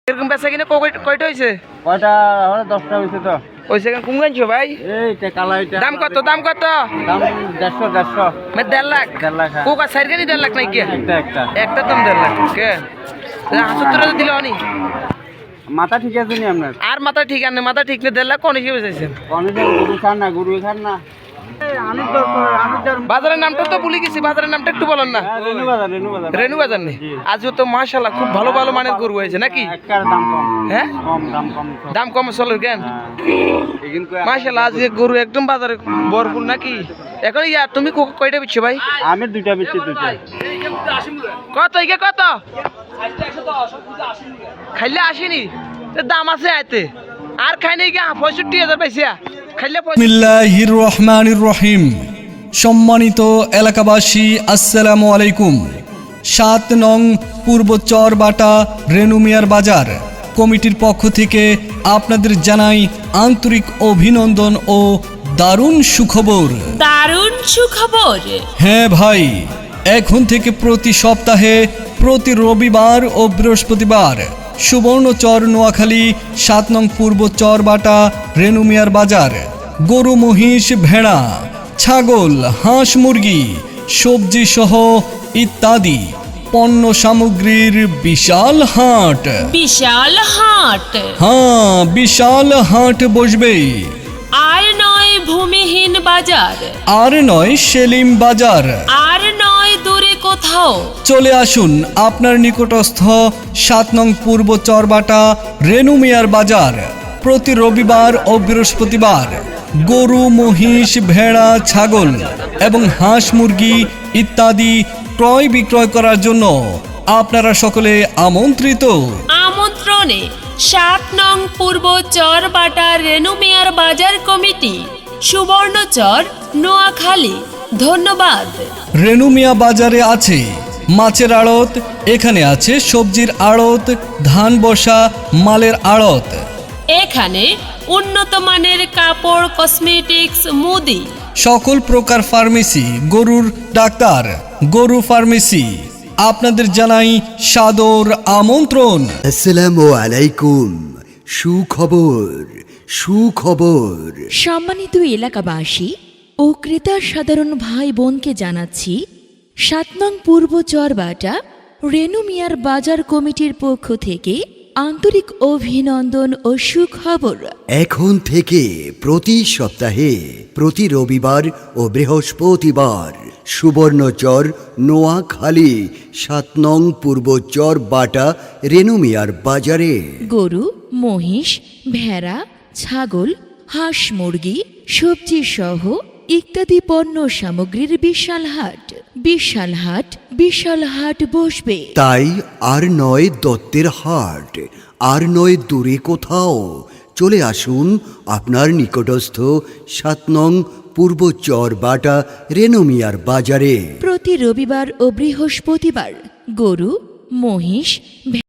এরকম বেচা কিনে কয়টা হয়েছে? কয়টা 10টা হয়েছে তো। হয়েছে কোন গানছো ভাই? এইটা কালা এটা। দাম কত? দাম কত? দাম 150 মানে 1.5 লাখ। 1.5 লাখ। কোকা সাইড গানি 1.5 লাখ নাই কি? একটা দাম 1.5 লাখ। কে? 70 দিলে অনি। মাথা ঠিক আছে নি আপনার? আর মাথা ঠিক আনে, মাথা ঠিক না 1.5 লাখ কোন হিসেবে চাইছেন? কোন হিসেবে গরু খান না। বাজারের নামটা তো ভুলে গেছি, বাজারের নামটা একটু বলেন না। রেনু বাজার নেই। আজও তো মাশাআল্লাহ খুব ভালো ভালো মানের গরু হয়েছে নাকি? একটার দাম কম। হ্যাঁ? দাম কম চলে কেন? মাশাআল্লাহ আজকে গরু একদম বাজারে ভরপুর নাকি? এখন তুমি কয়টা বিচ্ছো ভাই? আমি দুইটা বিচ্ছি, দুইটা। কত ইকে কত? খাইলে আসেনি দাম আছে আইতে আর খাই নাই গা 65,000 পাইছিয়া খাইলে। বিসমিল্লাহির রহমানির রহিম। সম্মানিত এলাকাবাসী, আসসালামু আলাইকুম। 7 নং পূর্ব চরবাটা রেনুমিয়ার বাজার কমিটির পক্ষ থেকে আপনাদের জানাই আন্তরিক অভিনন্দন ও দারুণ সুখবর। দারুণ সুখবর। হ্যাঁ ভাই, এখন থেকে প্রতি সপ্তাহে প্রতি রবিবার ও বৃহস্পতিবার সুবর্ণচর নোয়াখালী 7 নং পূর্ব চরবাটা রেনুমিয়ার বাজার গরু, মহিষ, ভেড়া, ছাগল, হাঁস, মুরগি, সবজি সহ ইত্যাদি পণ্য সামগ্রীর বিশাল হাট। বিশাল হাট। হ্যাঁ, বিশাল হাট বসবে। আর নয় ভূমিহীন বাজার, আর নয় সেলিম বাজার, আর নয় দূরে কোথাও। চলে আসুন আপনার নিকটস্থ 7 নং পূর্ব চরবাটা রেনুমিয়ার বাজার প্রতি রবিবার ও বৃহস্পতিবার গরু, মহিষ, ভেড়া, ছাগল এবং হাঁস, মুরগি ইত্যাদি ক্রয় বিক্রয় করার জন্য আপনারা সকলে আমন্ত্রিত। আমন্ত্রণে 7 নং পূর্ব চরবাটা রেনুমিয়ার বাজার কমিটি, সুবর্ণচর, নোয়াখালী। ধন্যবাদ। রেনুমিয়া বাজারে আছে মাছের আড়ত, এখানে আছে সবজির আড়ত, ধান বসা মালের আড়ত। এখানে উন্নত মানের কাপড়, কসমেটিক্স, মুদি, সকল প্রকার ফার্মেসি, গরুর ডাক্তার, গরু ফার্মেসি। আপনাদের জানাই সাদর আমন্ত্রণ। আসসালামু আলাইকুম। সুখবর, সুখবর। সম্মানিত এলাকাবাসী ও ক্রেতা সাধারণ ভাই বোনকে জানাচ্ছি 7 নং পূর্ব চরবাটা রেনুমিয়ার বাজার কমিটির পক্ষ থেকে আন্তরিক অভিনন্দন ও সুখবর। এখন থেকে প্রতি সপ্তাহে প্রতি রবিবার ও বৃহস্পতিবার সুবর্ণচর নোয়াখালী 7 নং পূর্ব চরবাটা রেনুমিয়ার বাজারে গরু, মহিষ, ভেড়া, ছাগল, হাঁস, মুরগি, সবজি সহ ইত্যাদি পণ্য সামগ্রীর বিশাল হাট। বিশাল হাট, বিশাল হাট বসবে। তাই আর নয় দত্তের হাট, আর নয় দূরে কোথাও। চলে আসুন আপনার নিকটস্থ 7 নং পূর্ব চরবাটা রেনুমিয়ার বাজারে প্রতি রবিবার ও বৃহস্পতিবার গরু, মহিষ,